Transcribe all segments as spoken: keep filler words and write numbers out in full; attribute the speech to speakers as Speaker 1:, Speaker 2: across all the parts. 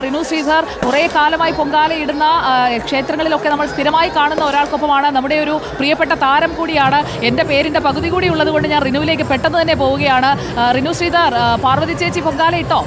Speaker 1: റിനു ശ്രീധർ കുറേ കാലമായി പൊങ്കാലയിടുന്ന ക്ഷേത്രങ്ങളിലൊക്കെ നമ്മൾ സ്ഥിരമായി കാണുന്ന ഒരാൾക്കൊപ്പമാണ്. നമ്മുടെ ഒരു പ്രിയപ്പെട്ട താരം കൂടിയാണ്. എൻ്റെ പേരിൻ്റെ പകുതി കൂടി ഉള്ളത് കൊണ്ട് ഞാൻ റിനുവിലേക്ക് പെട്ടെന്ന് തന്നെ പോവുകയാണ്. റിനു ശ്രീധർ, പാർവതി ചേച്ചി പൊങ്കാല ഇട്ടോ?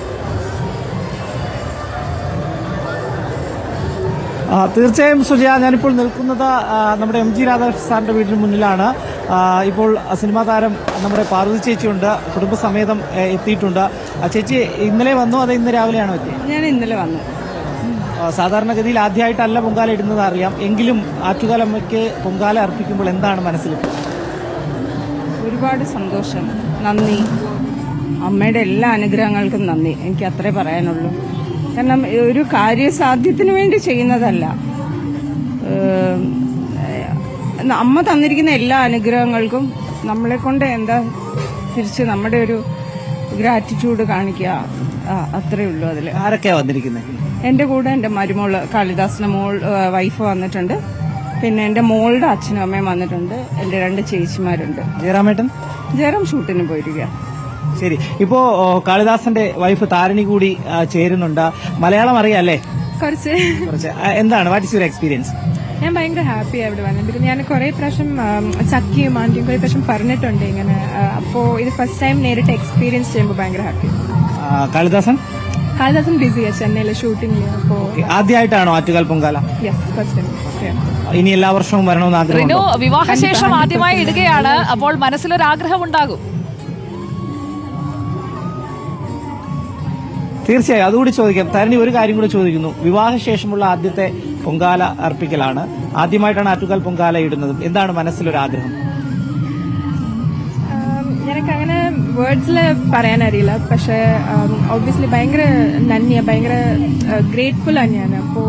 Speaker 2: തീർച്ചയായും സുജയ, ഞാനിപ്പോൾ നിൽക്കുന്നത് നമ്മുടെ എം ജി രാധാകൃഷ്ണൻ സാറിന്റെ വീടിന് മുന്നിലാണ്. ഇപ്പോൾ സിനിമാ താരം നമ്മുടെ പാർവതി ചേച്ചിയുണ്ട്, കുടുംബസമേതം എത്തിയിട്ടുണ്ട്. ചേച്ചി ഇന്നലെ വന്നു, അത് ഇന്ന് രാവിലെയാണോ എത്തിയത്?
Speaker 3: ഞാൻ ഇന്നലെ വന്നു.
Speaker 2: സാധാരണഗതിയിൽ ആദ്യമായിട്ടല്ല പൊങ്കാല ഇടുന്നത് അറിയാം, എങ്കിലും ആറ്റുകാലമ്മയ്ക്ക് പൊങ്കാല അർപ്പിക്കുമ്പോൾ എന്താണ് മനസ്സിൽ?
Speaker 3: ഒരുപാട് സന്തോഷം, നന്ദി. അമ്മയുടെ എല്ലാ അനുഗ്രഹങ്ങൾക്കും നന്ദി. എനിക്ക് അത്രേ പറയാനുള്ളൂ. കാരണം ഒരു കാര്യസാധ്യത്തിന് വേണ്ടി ചെയ്യുന്നതല്ല. അമ്മ തന്നിരിക്കുന്ന എല്ലാ അനുഗ്രഹങ്ങൾക്കും നമ്മളെ കൊണ്ട് എന്താ തിരിച്ച് നമ്മുടെ ഒരു ഗ്രാറ്റിറ്റ്യൂഡ് കാണിക്കുക, അത്രേ ഉള്ളൂ. അതിൽ
Speaker 2: ആരൊക്കെയാ വന്നിരിക്കുന്നത്?
Speaker 3: എന്റെ കൂടെ എന്റെ മരുമോള് കാളിദാസിന്റെ മോൾ വൈഫ് വന്നിട്ടുണ്ട്. പിന്നെ എന്റെ മോളുടെ അച്ഛനും അമ്മയും വന്നിട്ടുണ്ട്. എന്റെ രണ്ട് ചേച്ചിമാരുണ്ട്.
Speaker 2: ജയറാമേട്ടൻ
Speaker 3: ജയറാം ഷൂട്ടിന് പോയിരിക്കുക.
Speaker 2: ശരി, ഇപ്പോ കാളിദാസന്റെ വൈഫ് താരണി കൂടി ചേരുന്നുണ്ട്. മലയാളം അറിയാം അല്ലേ?
Speaker 3: കുറച്ച്
Speaker 2: കുറച്ച്. എന്താണ് വാട്ട് ഇസ് യുവർ എക്സ്പീരിയൻസ്?
Speaker 3: ഞാൻ ഭയങ്കര ഹാപ്പി അവിടെ വന്നത്. ഞാൻ കുറെ പ്രാവശ്യം ചക്കിയും ആന്റിയും കുറെ പ്രാവശ്യം പറഞ്ഞിട്ടുണ്ട് ഇങ്ങനെ. അപ്പോ ഇത് ഫസ്റ്റ് ടൈം നേരിട്ട് എക്സ്പീരിയൻസ് ചെയ്യുമ്പോൾ ഭയങ്കര ഹാപ്പി.
Speaker 2: കാളിദാസൻ
Speaker 3: കാളിദാസൻ ബിസിയാ ചെന്നൈയിലെ ഷൂട്ടിംഗില്. അപ്പോ
Speaker 2: ആദ്യമായിട്ടാണോ Attukal Pongala?
Speaker 3: Yes, first time.
Speaker 2: ഇനി എല്ലാ വർഷവും വരണമെന്ന് ആഗ്രഹം.
Speaker 1: വിവാഹശേഷം ആദ്യമായി ഇടുകയാണ്, അപ്പോൾ മനസ്സിലൊരാഗ്രഹം ഉണ്ടാകും.
Speaker 2: തീർച്ചയായും അതുകൂടി ചോദിക്കാം. താരണി, ഒരു കാര്യം കൂടി ചോദിക്കുന്നു. വിവാഹശേഷമുള്ള ആദ്യത്തെ പൊങ്കാല അർപ്പിക്കലാണ്, ആദ്യമായിട്ടാണ് ആറ്റുകാൽ പൊങ്കാല ഇടുന്നത്. എന്താണ് മനസ്സിലൊരാഗ്രഹം?
Speaker 3: എനിക്ക് അങ്ങനെ വേർഡ്സിൽ പറയാനറിയില്ല, പക്ഷെ ഒബ്വിയസ്ലി ഭയങ്കര നന്ദിയ, ഭയങ്കര ഗ്രേറ്റ്ഫുൾ ആണ് ഞാൻ. അപ്പോ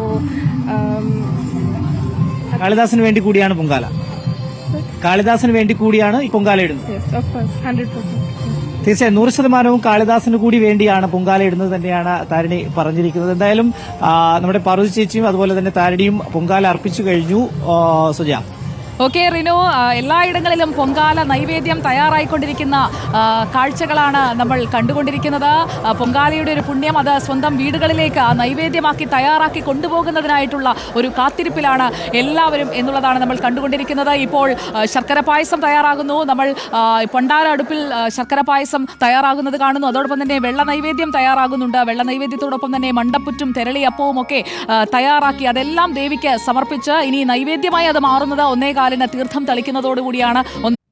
Speaker 2: കാളിദാസിന് വേണ്ടി കൂടിയാണ് പൊങ്കാല, കാളിദാസിന് വേണ്ടി കൂടിയാണ് ഈ പൊങ്കാല ഇടുന്നത്.
Speaker 3: ഹൺഡ്രഡ് പെർസെന്റ്
Speaker 2: തീർച്ചയായും നൂറ് ശതമാനവും കാളിദാസിന് കൂടി വേണ്ടിയാണ് പൊങ്കാല ഇടുന്നത് തന്നെയാണ് താരണി പറഞ്ഞിരിക്കുന്നത്. എന്തായാലും നമ്മുടെ പാർവതി ചേച്ചിയും അതുപോലെ തന്നെ താരണിയും പൊങ്കാല അർപ്പിച്ചു കഴിഞ്ഞു. സുജ.
Speaker 1: ഓക്കെ റിനു, എല്ലായിടങ്ങളിലും പൊങ്കാല നൈവേദ്യം തയ്യാറായിക്കൊണ്ടിരിക്കുന്ന കാഴ്ചകളാണ് നമ്മൾ കണ്ടുകൊണ്ടിരിക്കുന്നത്. പൊങ്കാലയുടെ ഒരു പുണ്യം അത് സ്വന്തം വീടുകളിലേക്ക് നൈവേദ്യമാക്കി തയ്യാറാക്കി കൊണ്ടുപോകുന്നതിനായിട്ടുള്ള ഒരു കാത്തിരിപ്പിലാണ് എല്ലാവരും എന്നുള്ളതാണ് നമ്മൾ കണ്ടുകൊണ്ടിരിക്കുന്നത്. ഇപ്പോൾ ശർക്കര പായസം തയ്യാറാകുന്നു. നമ്മൾ പൊണ്ടാര അടുപ്പിൽ ശർക്കര പായസം തയ്യാറാകുന്നത് കാണുന്നു. അതോടൊപ്പം തന്നെ വെള്ള നൈവേദ്യം തയ്യാറാകുന്നുണ്ട്. വെള്ള നൈവേദ്യത്തോടൊപ്പം തന്നെ മണ്ടപ്പുറ്റും തെരളിയപ്പവും ഒക്കെ തയ്യാറാക്കി അതെല്ലാം ദേവിക്ക് സമർപ്പിച്ച് ഇനി നൈവേദ്യമായി അത് മാറുന്നത് ഒന്നേ കാലിന് തീർത്ഥം തളിക്കുന്നതോടുകൂടിയാണ്.